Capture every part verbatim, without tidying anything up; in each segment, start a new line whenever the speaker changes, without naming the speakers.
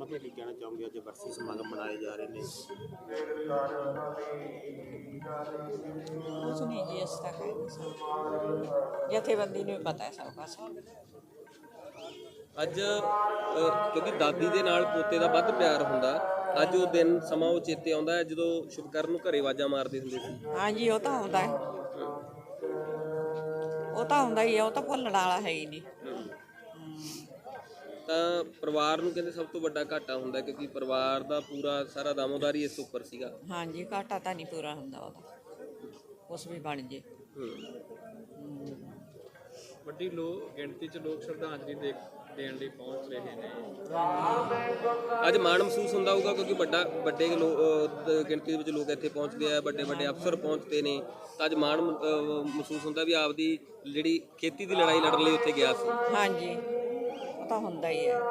ਮਤਲਬ ਕੀ ਕਹਿਣਾ ਚਾਹੋਗੇ ਅੱਜ ਬਰਸੀ ਸਮਾਗਮ ਮਨਾਏ ਜਾ ਰਹੇ ਨੇ?
ਕੁਛ ਨਹੀਂ ਜੀ, ਇਸ ਤੱਕ ਹੈ ਸਭ ਜਥੇਬੰਦੀ ਨੂੰ ਪਤਾ ਹੈ ਸਭ ਕੁਛ।
ਅੱਜ ਅ, ਕਿਉਂਕਿ ਦਾਦੀ ਦੇ ਨਾਲ ਪੋਤੇ ਦਾ ਵੱਧ ਪਿਆਰ ਹੁੰਦਾ, ਅੱਜ ਉਹ ਦਿਨ ਸਮਾਂ ਉਹ ਚੇਤੇ ਆਉਂਦਾ ਹੈ ਜਦੋਂ ਸ਼ੁਭਕਰਨ ਨੂੰ ਘਰੇ ਆਵਾਜ਼ਾਂ ਮਾਰਦੇ ਹੁੰਦੇ ਸੀ।
ਹਾਂਜੀ ਉਹ ਤਾਂ ਆਉਂਦਾ ਹੈ, ਉਹ ਤਾਂ ਆਉਂਦਾ ਹੀ ਹੈ, ਉਹ ਤਾਂ ਭੁੱਲਣ ਵਾਲਾ ਹੈ ਹੀ ਨਹੀਂ।
ਤਾਂ ਪਰਿਵਾਰ ਨੂੰ ਕਹਿੰਦੇ ਸਭ ਤੋਂ ਵੱਡਾ ਘਾਟਾ ਹੁੰਦਾ, ਕਿਉਂਕਿ ਪਰਿਵਾਰ ਦਾ ਪੂਰਾ ਸਾਰਾ ਦਾਮੋਦਾਰੀ ਇਸ ਉੱਪਰ ਸੀਗਾ।
ਹਾਂਜੀ ਘਾਟਾ ਤਾਂ ਨਹੀਂ ਪੂਰਾ ਹੁੰਦਾ ਉਹਦਾ, ਕੁਛ ਵੀ ਬਣ ਜੇ।
ਵੱਡੀ ਲੋ ਗਿਣਤੀ 'ਚ ਲੋਕ ਸ਼ਰਧਾਂਜਲੀ ਦੇ ਦੇਣ ਲਈ ਪਹੁੰਚ ਰਹੇ ਨੇ।
ਅੱਜ ਮਾਣ ਮਹਿਸੂਸ ਹੁੰਦਾ ਹੋਊਗਾ ਕਿਉਂਕਿ ਵੱਡਾ ਵੱਡੇ ਲੋ ਅ, ਗਿਣਤੀ ਦੇ ਵਿੱਚ ਲੋਕ ਇੱਥੇ ਪਹੁੰਚਦੇ ਆ, ਵੱਡੇ ਵੱਡੇ ਅਫਸਰ ਪਹੁੰਚਦੇ ਨੇ, ਤਾਂ ਅੱਜ ਮਾਣ ਅ, ਮਹਿਸੂਸ ਹੁੰਦਾ ਵੀ ਆਪਦੀ ਜਿਹੜੀ ਖੇਤੀ ਦੀ ਲੜਾਈ ਲੜਨ ਲਈ ਉੱਥੇ ਗਿਆ ਸੀ।
ਹਾਂਜੀ ਉਹ ਤਾਂ ਹੁੰਦਾ ਹੀ ਹੈ।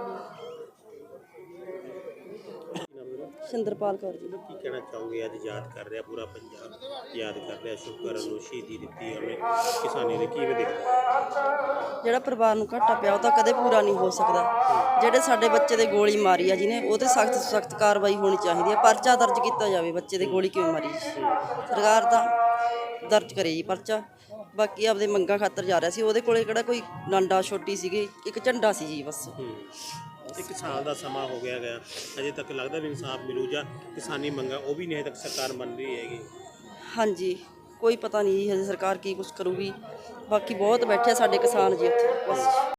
ਸਿੰਦਰਪਾਲ ਕੌਰ ਜੀ।
ਕੀ ਕਹਿਣਾ ਚਾਹੋਗੇ ਅੱਜ ਯਾਦ ਕਰ ਰਿਹਾ ਪੂਰਾ ਪੰਜਾਬ ਯਾਦ ਕਰ ਰਿਹਾ ਸ਼ੁਭਕਰਨ ਨੂੰ, ਸ਼ਹੀਦੀ ਦਿੱਤੀ ਉਹਨੇ ਕਿਸਾਨੀ ਦੇ, ਕਿਵੇਂ ਦੇਖਦੇ?
ਜਿਹੜਾ ਪਰਿਵਾਰ ਨੂੰ ਘਾਟਾ ਪਿਆ ਉਹ ਤਾਂ ਕਦੇ ਪੂਰਾ ਨਹੀਂ ਹੋ ਸਕਦਾ। ਜਿਹੜੇ ਸਾਡੇ ਬੱਚੇ ਦੇ ਗੋਲੀ ਮਾਰੀ ਆ ਜਿਹਨੇ, ਉਹ 'ਤੇ ਸਖਤ ਸਖਤ ਕਾਰਵਾਈ ਹੋਣੀ ਚਾਹੀਦੀ ਹੈ। ਪਰਚਾ ਦਰਜ ਕੀਤਾ ਜਾਵੇ, ਬੱਚੇ ਦੇ ਗੋਲੀ ਕਿਉਂ ਮਾਰੀ ਜੀ, ਸਰਕਾਰ ਤਾਂ ਦਰਜ ਕਰੇ ਜੀ ਪਰਚਾ। ਬਾਕੀ ਆਪਦੇ ਮੰਗਾਂ ਖਾਤਰ ਜਾ ਰਿਹਾ ਸੀ, ਉਹਦੇ ਕੋਲੇ ਕਿਹੜਾ ਕੋਈ ਡਾਂਡਾ ਛੋਟੀ ਸੀਗੀ, ਇੱਕ ਝੰਡਾ ਸੀ ਜੀ ਬਸ।
ਇੱਕ ਸਾਲ ਦਾ ਸਮਾਂ ਹੋ ਗਿਆ ਗਿਆ, ਅਜੇ ਤੱਕ ਲੱਗਦਾ ਵੀ ਇਨਸਾਫ ਮਿਲੂ ਜਾਂ ਕਿਸਾਨੀ ਮੰਗਾਂ ਉਹ ਵੀ ਨਹੀਂ ਹਜੇ ਤੱਕ ਸਰਕਾਰ ਮੰਨ ਰਹੀ ਹੈਗੀ?
ਹਾਂਜੀ ਕੋਈ ਪਤਾ ਨਹੀਂ ਜੀ ਹਜੇ ਸਰਕਾਰ ਕੀ ਕੁਛ ਕਰੂਗੀ। ਬਾਕੀ ਬਹੁਤ ਬੈਠੇ ਸਾਡੇ ਕਿਸਾਨ ਜੀ ਉੱਥੇ ਬਸ।